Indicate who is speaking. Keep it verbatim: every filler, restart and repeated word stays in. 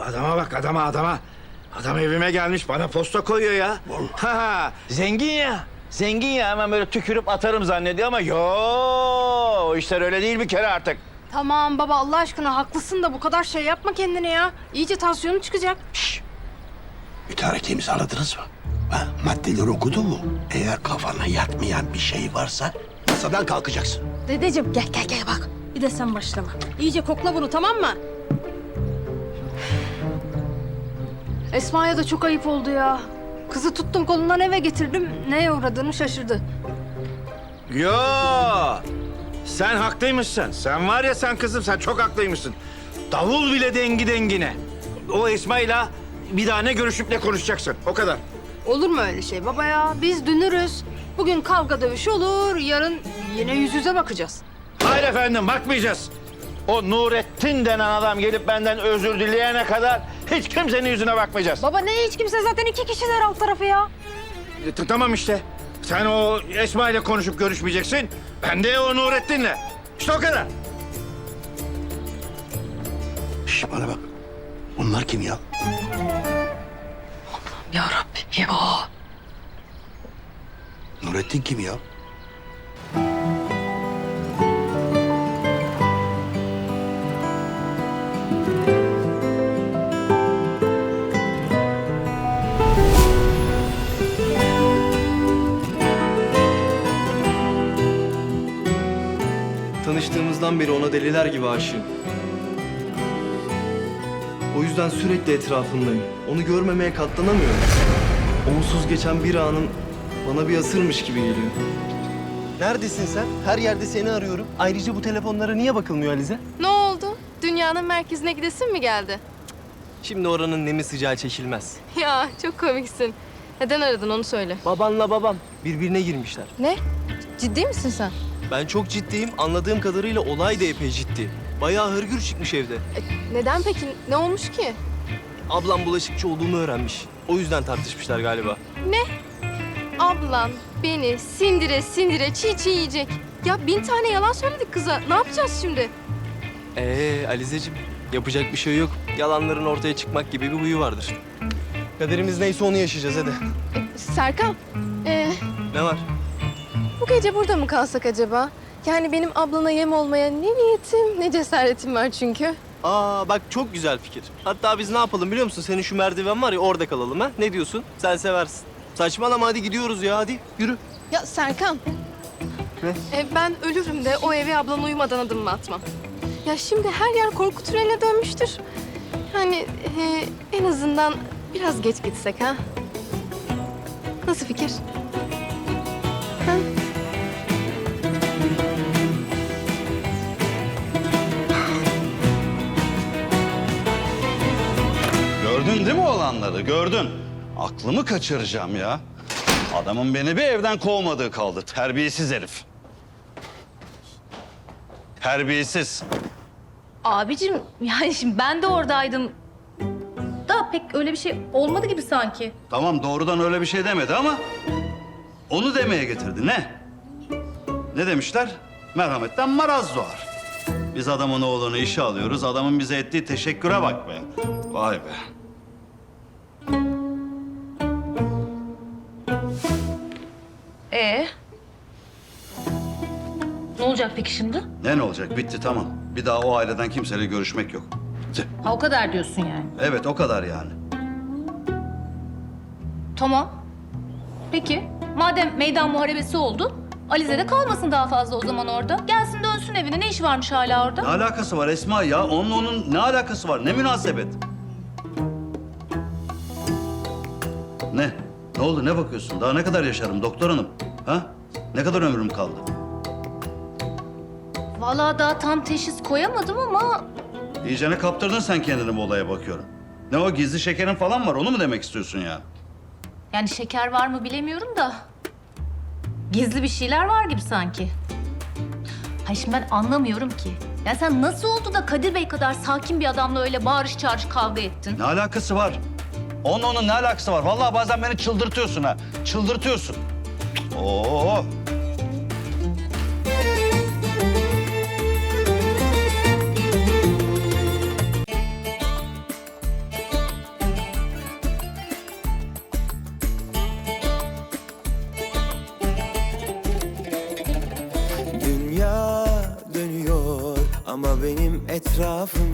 Speaker 1: Adama bak adama adama. Adam evime gelmiş bana posta koyuyor ya. Ha ha zengin ya. Zengin ya hemen böyle tükürüp atarım zannediyor ama yo o işler öyle değil bir kere artık.
Speaker 2: Tamam baba Allah aşkına haklısın da bu kadar şey yapma kendine ya. İyice tansiyonu çıkacak.
Speaker 3: Şşş! Mütareke imzaladınız mı? Ha, maddeleri okudu mu? Eğer kafana yatmayan bir şey varsa masadan kalkacaksın.
Speaker 2: Dedeciğim gel gel gel bak. Bir de sen başlama. İyice kokla bunu tamam mı? Esma'ya da çok ayıp oldu ya. Kızı tuttum kolundan eve getirdim. Neye uğradığını şaşırdı.
Speaker 1: Yo sen haklıymışsın. Sen var ya sen kızım sen çok haklıymışsın. Davul bile dengi dengine. O Esma'yla bir daha ne görüşüp ne konuşacaksın o kadar.
Speaker 2: Olur mu öyle şey baba ya? Biz dünürüz. Bugün kavga dövüş olur, yarın yine yüz yüze bakacağız.
Speaker 1: Hayır efendim bakmayacağız. O Nurettin denen adam gelip benden özür dileyene kadar hiç kimsenin yüzüne bakmayacağız.
Speaker 2: Baba ne hiç kimse zaten iki kişiler alt tarafı ya.
Speaker 1: E, t- tamam işte. Sen o Esma ile konuşup görüşmeyeceksin. Ben de o Nurettin'le. İşte o kadar.
Speaker 3: Şş, bana bak. Bunlar kim ya?
Speaker 2: Ya Rabbim ya.
Speaker 3: Nurettin kim ya?
Speaker 4: Tanıştığımızdan beri ona deliler gibi aşığım. O yüzden sürekli etrafındayım. Onu görmemeye katlanamıyorum. Onsuz geçen bir anın bana bir asırmış gibi geliyor. Neredesin sen? Her yerde seni arıyorum. Ayrıca bu telefonlara niye bakılmıyor Alize?
Speaker 2: Ne oldu? Dünyanın merkezine gidesin mi geldi?
Speaker 4: Şimdi oranın nemi sıcağı çekilmez.
Speaker 2: Ya çok komiksin. Neden aradın onu söyle.
Speaker 4: Babanla babam birbirine girmişler.
Speaker 2: Ne? Ciddi misin sen?
Speaker 4: Ben çok ciddiyim. Anladığım kadarıyla olay da epey ciddi. Bayağı hırgür çıkmış evde.
Speaker 2: E, neden peki? Ne olmuş ki?
Speaker 4: Ablam bulaşıkçı olduğumu öğrenmiş. O yüzden tartışmışlar galiba.
Speaker 2: Ne? Ablan beni sindire sindire çiğ çiğ yiyecek. Ya bin tane yalan söyledik kıza. Ne yapacağız şimdi?
Speaker 4: Ee Alizeciğim, yapacak bir şey yok. Yalanların ortaya çıkmak gibi bir huyu vardır. Kaderimiz neyse onu yaşayacağız hadi.
Speaker 2: Serkan, ee,
Speaker 4: Ne var?
Speaker 2: bu gece burada mı kalsak acaba? Yani benim ablana yem olmaya ne niyetim ne cesaretim var çünkü.
Speaker 4: Aa bak çok güzel fikir. Hatta biz ne yapalım biliyor musun? Senin şu merdiven var ya orada kalalım ha. Ne diyorsun? Sen seversin. Saçmalama hadi gidiyoruz ya hadi yürü.
Speaker 2: Ya Serkan.
Speaker 4: Ne?
Speaker 2: E, ben ölürüm de o eve ablan uyumadan adımımı atmam. Ya şimdi her yer korku tüneline dönmüştür. Yani e, en azından biraz geç gitsek ha. Nasıl fikir? Ha?
Speaker 5: Gördün değil mi olanları? Gördün. Aklımı kaçıracağım ya. Adamın beni bir evden kovmadığı kaldı. Terbiyesiz herif. Terbiyesiz.
Speaker 6: Abicim yani şimdi ben de oradaydım. Da pek öyle bir şey olmadı gibi sanki.
Speaker 5: Tamam doğrudan öyle bir şey demedi ama onu demeye getirdi. Ne? Ne demişler? Merhametten maraz doğar. Biz adamın oğlunu işe alıyoruz. Adamın bize ettiği teşekküre bak be. Vay be.
Speaker 6: Ee? Ne olacak peki şimdi?
Speaker 5: Ne ne olacak? Bitti tamam. Bir daha o aileden kimseyle görüşmek yok. Bitti.
Speaker 6: Ha o kadar diyorsun yani.
Speaker 5: Evet o kadar yani.
Speaker 6: Tamam. Peki madem meydan muharebesi oldu, Alize de kalmasın daha fazla o zaman orada. Gelsin dönsün evine. Ne işi varmış hala orada?
Speaker 5: Ne alakası var Esma ya? Onunla onun ne alakası var? Ne münasebet? Ne? Ne oldu? Ne bakıyorsun? Daha ne kadar yaşarım doktor hanım? Ha? Ne kadar ömrüm kaldı?
Speaker 6: Vallahi daha tam teşhis koyamadım ama
Speaker 5: İyicene kaptırdın sen kendini bu olaya bakıyorum. Ne o gizli şekerin falan var onu mu demek istiyorsun ya?
Speaker 6: yani şeker var mı bilemiyorum da gizli bir şeyler var gibi sanki. Hayır şimdi ben anlamıyorum ki. Ya sen nasıl oldu da Kadir Bey kadar sakin bir adamla öyle bağırış çağırış kavga ettin?
Speaker 5: Ne alakası var? Onun onun ne alakası var? Vallahi bazen beni çıldırtıyorsun ha. Çıldırtıyorsun. Oo.
Speaker 7: Ama benim etrafım